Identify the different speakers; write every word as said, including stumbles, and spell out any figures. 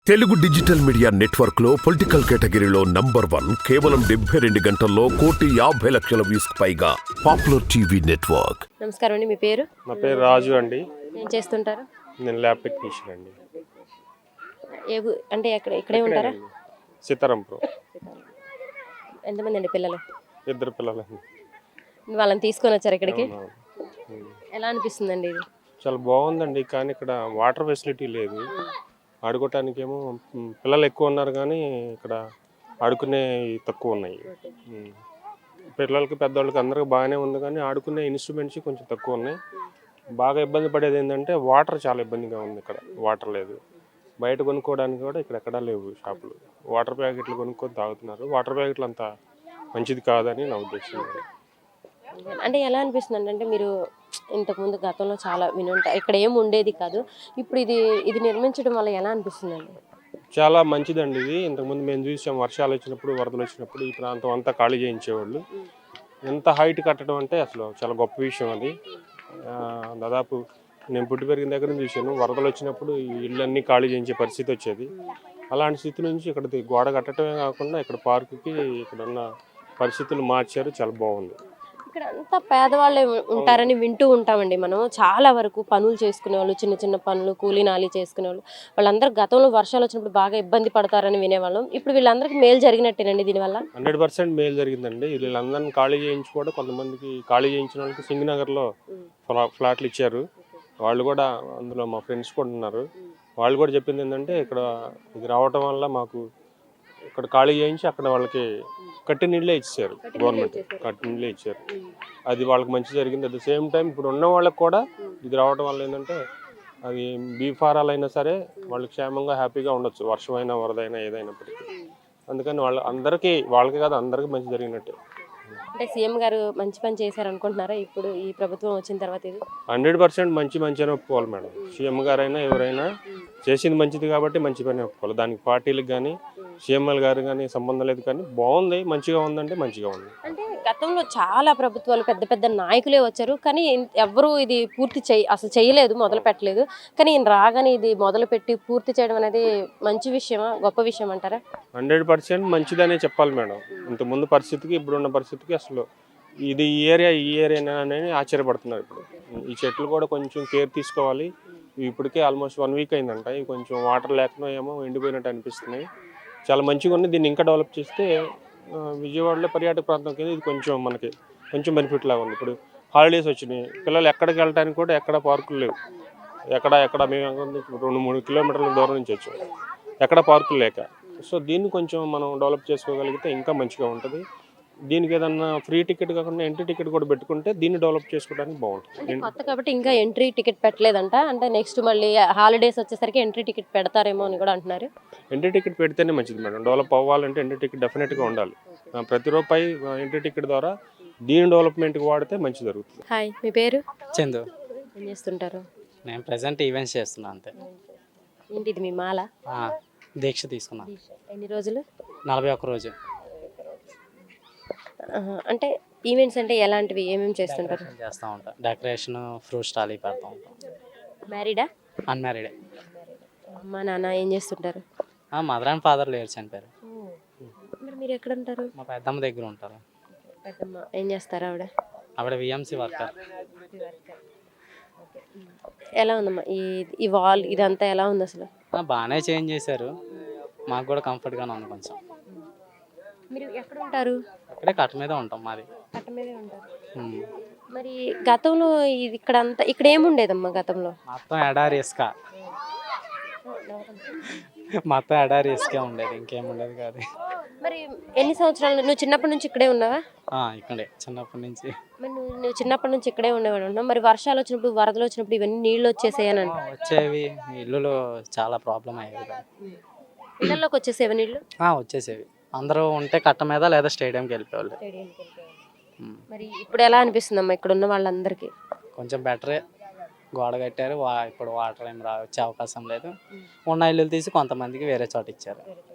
Speaker 1: Telugu digital media network లో political కేటగిరీలో number one కేవలం డెబ్బై రెండు గంటల్లో కోటి యాభై లక్షల వ్యూస్ పైగా పాపులర్ టీవీ నెట్వర్క్.
Speaker 2: నమస్కారం అండి, మీ పేరు?
Speaker 3: నా పేరు రాజు అండి.
Speaker 2: ఏం చేస్తుంటారు?
Speaker 3: నేను ల్యాబ్ టెక్నీషియన్ అండి.
Speaker 2: ఏ ఊ- అంటే ఎక్కడ ఇక్కడే ఉంటారా?
Speaker 3: సీతారాంపురం.
Speaker 2: ఎంతమంది అండి పిల్లలు?
Speaker 3: ఇద్దరు పిల్లలు.
Speaker 2: వాళ్ళని తీసుకొని వచ్చారు ఇక్కడికి.
Speaker 3: అవునవును. ఉమ్.
Speaker 2: ఎలా అనిపిస్తుందండి ఇది?
Speaker 3: చాలా బాగుందండి, కానీ ఇక్కడ వాటర్ ఫెసిలిటీ లేదు. ఆడుకోవటానికేమో ఉమ్, పిల్లలు ఎక్కువ ఉన్నారు, కానీ ఇక్కడ ఆడుకునే తక్కువ ఉన్నాయి. ఉమ్. పిల్లలకి పెద్దవాళ్ళకి అందరికి బాగానే ఉంది, కానీ ఆడుకునే ఇన్స్ట్రుమెంట్స్ కొంచెం తక్కువ ఉన్నాయి. బాగా ఇబ్బంది పడేది ఏంటంటే వాటర్ చాలా ఇబ్బందిగా ఉంది. ఇక్కడ వాటర్ లేదు. బయట కొనుక్కోవడానికి కూడా ఇక్కడ ఎక్కడా లేవు షాపులు. వాటర్ ప్యాకెట్లు కొనుక్కొని తాగుతున్నారు. వాటర్ ప్యాకెట్లు అంత మంచిది కాదని నా ఉద్దేశం.
Speaker 2: అంటే ఎలా అనిపిస్తుంది అంటే మీరు ఇంతకుముందు గతంలో చాలా వినుంటారు, ఇక్కడ ఏం ఉండేది కాదు, ఇప్పుడు ఇది ఇది నిర్మించడం వల్ల ఎలా అనిపిస్తుందండి?
Speaker 3: చాలా మంచిదండి ఇది. ఇంతకుముందు మేము చూసాం, వర్షాలు వచ్చినప్పుడు వరదలు వచ్చినప్పుడు ఈ ప్రాంతం అంతా ఖాళీ చేయించేవాళ్ళు. ఎంత హైట్ కట్టడం అంటే అసలు చాలా గొప్ప విషయం అది. ఆ, దాదాపు నేను పుట్టి పెరిగిన దగ్గర నుంచి చూశాను, వరదలు వచ్చినప్పుడు ఈ ఇళ్ళన్నీ ఖాళీ చేయించే పరిస్థితి వచ్చేది. అలాంటి స్థితి నుంచి ఇక్కడ గోడ కట్టడమే కాకుండా ఇక్కడ పార్కుకి ఇక్కడ ఉన్న పరిస్థితులు మార్చారు. చాలా బాగుంది.
Speaker 2: ఇక్కడ అంతా పేదవాళ్ళే ఉ- ఉంటారని వింటూ ఉంటామండి మనం. చాలా వరకు పనులు చేసుకునే వాళ్ళు, చిన్న చిన్న పనులు, కూలీ నాలి చేసుకునే వాళ్ళు, వాళ్ళందరూ గతంలో వర్షాలు వచ్చినప్పుడు బాగా ఇబ్బంది పడతారని వినేవాళ్ళం. ఇప్పుడు వీళ్ళందరికీ మేలు జరిగినట్టేనండి దీనివల్ల?
Speaker 3: హండ్రెడ్ పర్సెంట్ మేలు జరిగిందండి. వీళ్ళందరినీ ఖాళీ చేయించి కూడా కొంతమందికి ఖాళీ చేయించిన వాళ్ళకి సింగనగర్లో ఫ్లా ఫ్లాట్లు ఇచ్చారు. వాళ్ళు కూడా అందులో మా ఫ్రెండ్స్ కూడా ఉన్నారు. వాళ్ళు కూడా చెప్పింది ఏంటంటే ఇక్కడ ఇది రావటం వల్ల మాకు ఇక్కడ ఖాళీ చేయించి అక్కడ వాళ్ళకి కట్టి నీళ్ళే ఇచ్చారు. గవర్నమెంట్ కట్టి నీళ్ళే ఇచ్చారు. అది వాళ్ళకి మంచి జరిగింది. అట్ ద సేమ్ టైం ఇప్పుడు ఉన్న వాళ్ళకి కూడా ఇది రావడం వల్ల ఏంటంటే అది బీఫారాలు అయినా సరే వాళ్ళు క్షేమంగా హ్యాపీగా ఉండొచ్చు, వర్షమైనా వరదైనా ఏదైనప్పటికీ. అందుకని వాళ్ళ అందరికీ, వాళ్ళకి కాదు అందరికీ మంచి జరిగినట్టే.
Speaker 2: అంటే సీఎం గారు మంచి పని చేశారు అనుకుంటున్నారా ఇప్పుడు ఈ ప్రభుత్వం వచ్చిన తర్వాత? ఇది
Speaker 3: హండ్రెడ్ పర్సెంట్ మంచి మంచి అని ఒప్పుకోవాలి మేడం. సీఎం గారైనా ఎవరైనా చేసింది మంచిది కాబట్టి మంచి పని ఒప్పుకోవాలి. దానికి పార్టీలకు కానీ సీఎంఎల్ గారు కానీ సంబంధం లేదు, కానీ బాగుంది, మంచిగా ఉందంటే మంచిగా ఉంది.
Speaker 2: అంటే గతంలో చాలా ప్రభుత్వాలు పెద్ద పెద్ద నాయకులే వచ్చారు, కానీ ఇన్- ఎవ్వరూ ఇది పూర్తి చేయ అసలు చేయలేదు, మొదలు పెట్టలేదు. కానీ ఈయన రాగానే ఇది మొదలు పెట్టి పూర్తి చేయడం అనేది మంచి విషయమా, గొప్ప విషయం అంటారా?
Speaker 3: హండ్రెడ్ పర్సెంట్ మంచిదనే చెప్పాలి మేడం. ఇంతకుముందు పరిస్థితికి ఇప్పుడున్న పరిస్థితికి అసలు ఇది ఈ ఏరియా ఈ ఏరియా అనేది ఆశ్చర్యపడుతున్నారు. ఇప్పుడు ఈ చెట్లు కూడా కొంచెం కేర్ తీసుకోవాలి. ఇవి ఇప్పటికే ఆల్మోస్ట్ వన్ వీక్ అయిందంట. ఇవి కొంచెం వాటర్ లేకుండా ఏమో ఎండిపోయినట్టు అనిపిస్తున్నాయి. చాలా మంచిగా ఉంది. దీన్ని ఇంకా డెవలప్ చేస్తే ఆ, విజయవాడలో పర్యాటక ప్రాంతం కింద ఇది కొంచెం మనకి కొంచెం బెనిఫిట్ లాగా ఉంది. ఇప్పుడు హాలిడేస్ వచ్చినాయి, పిల్లలు ఎక్కడికి వెళ్ళడానికి కూడా ఎక్కడ పార్కులు లేవు. ఎక్కడ ఎక్కడ మేము ఎక్కడ నుంచి రెండు మూడు కిలోమీటర్ల దూరం నుంచి వచ్చాం, ఎక్కడ పార్కులు లేక. సో దీన్ని కొంచెం మనం డెవలప్ చేసుకోగలిగితే ఇంకా మంచిగా ఉంటుంది. దీనికి ఏదన్నా ఫ్రీ టికెట్ కాకుండా ఎంట్రీ టికెట్ కూడా పెట్టుకుంటే దీన్ని డెవలప్ చేసుకోవడానికి
Speaker 2: అంటే
Speaker 3: బాగుంటుంది.
Speaker 2: కొత్త కాబట్టి ఇంకా ఎంట్రీ టికెట్ పెట్టలేదంట. అంటే నెక్స్ట్ మళ్ళీ హాలిడేస్ వచ్చేసరికి ఎంట్రీ టికెట్ పెడతారేమో అని కూడా అంటున్నారు.
Speaker 3: ఎంట్రీ టికెట్ పెడితేనే మంచిది మేడం. డెవలప్ అవ్వాలంటే ఎంట్రీ టికెట్ డెఫినెట్గా ఉండాలి. ఆ, ప్రతి రూపాయి ఎంట్రీ టికెట్ ద్వారా దీని డెవలప్మెంట్కి వాడితే మంచి జరుగుతుంది.
Speaker 2: హాయ్, మీ పేరు?
Speaker 4: చందు.
Speaker 2: ఏం చేస్తుంటారు?
Speaker 4: నేను ప్రజెంట్ ఈవెంట్స్ చేస్తున్నా అంతే.
Speaker 2: ఏంటి ఇది, మీ మాల?
Speaker 4: ఆ, దీక్ష తీసుకున్నా
Speaker 2: ఎన్ని రోజులు?
Speaker 4: నలభై ఒక్క రోజు.
Speaker 2: ఆహా, అంటే ఈవెంట్స్ అంటే ఎలాంటివి, ఏమేమి చేస్తుంటారు?
Speaker 4: డెకరేషన్ చేస్తూ ఉంటా. డెకరేషన్, ఫ్రూట్ స్టాల్ ఇవి పెడతా ఉంటాం.
Speaker 2: మ్యారీడా?
Speaker 4: అన్మ్యారీడే.
Speaker 2: అమ్మ నాన్న ఏం చేస్తుంటారు?
Speaker 4: మదర్ అండ్ ఫాదర్ లేరు, చనిపోయారు.
Speaker 2: మరి మీరు ఎక్కడ ఉంటారు?
Speaker 4: మా పెద్దమ్మ దగ్గర ఉంటారు.
Speaker 2: పెద్దమ్మ ఏం చేస్తారు ఆవిడ?
Speaker 4: ఆవిడ విఎంసీ వర్కర్.
Speaker 2: ఎలా ఉందమ్మా ఈ ఈ వాల్ ఇదంతా ఎలా ఉంది అసలు?
Speaker 4: బాగానే చేంజ్ చేశారు, మాకు కూడా కంఫర్ట్గానే ఉంది కొంచెం.
Speaker 2: మీరు ఎక్కడ ఉంటారు?
Speaker 4: ఇక్కడే కట్ట మీద ఉంటాం మాది.
Speaker 2: కట్ట మీదే ఉంటారు.
Speaker 4: ఉమ్.
Speaker 2: మరి గతంలో ఇది ఇక్కడ అంతా ఇక్కడ ఏముండేదమ్మా గతంలో?
Speaker 4: మొత్తం ఎడారి ఇసుక, మొత్తం ఎడారి ఇసుకే ఉండేది, ఇంకేం ఉండేది కాదు.
Speaker 2: మరి ఎన్ని సంవత్సరాలు నువ్వు చిన్నప్పటి నుంచి ఇక్కడే ఉన్నావా?
Speaker 4: ఆ, ఇక్కడే చిన్నప్పటి నుంచి.
Speaker 2: మరి నువ్వు నువ్వు చిన్నప్పటి నుంచి ఇక్కడే ఉండేవాడు ఉన్నావు. మరి వర్షాలు వచ్చినప్పుడు, వరదలు వచ్చినప్పుడు ఇవన్నీ నీళ్ళు వచ్చేసాయని
Speaker 4: ఆ, వచ్చేవి. ఇల్లులో చాలా ప్రాబ్లం అయ్యేది కదా.
Speaker 2: ఇళ్ళలోకి వచ్చేసేవా నీళ్ళు?
Speaker 4: ఆ, వచ్చేసేవి. అందరూ ఉంటే కట్ట మీద లేదా స్టేడియంకి వెళ్ళిపోవాలి. ఉమ్.
Speaker 2: మరి ఇప్పుడు ఎలా అనిపిస్తుందమ్మా ఇక్కడ ఉన్న వాళ్ళందరికీ?
Speaker 4: కొంచెం బెటరే, గోడ కట్టారు. వా ఇప్పుడు వాటర్ ఏం రా వచ్చే అవకాశం లేదు. ఉన్న ఇల్లులు తీసి కొంతమందికి వేరే చోట ఇచ్చారు.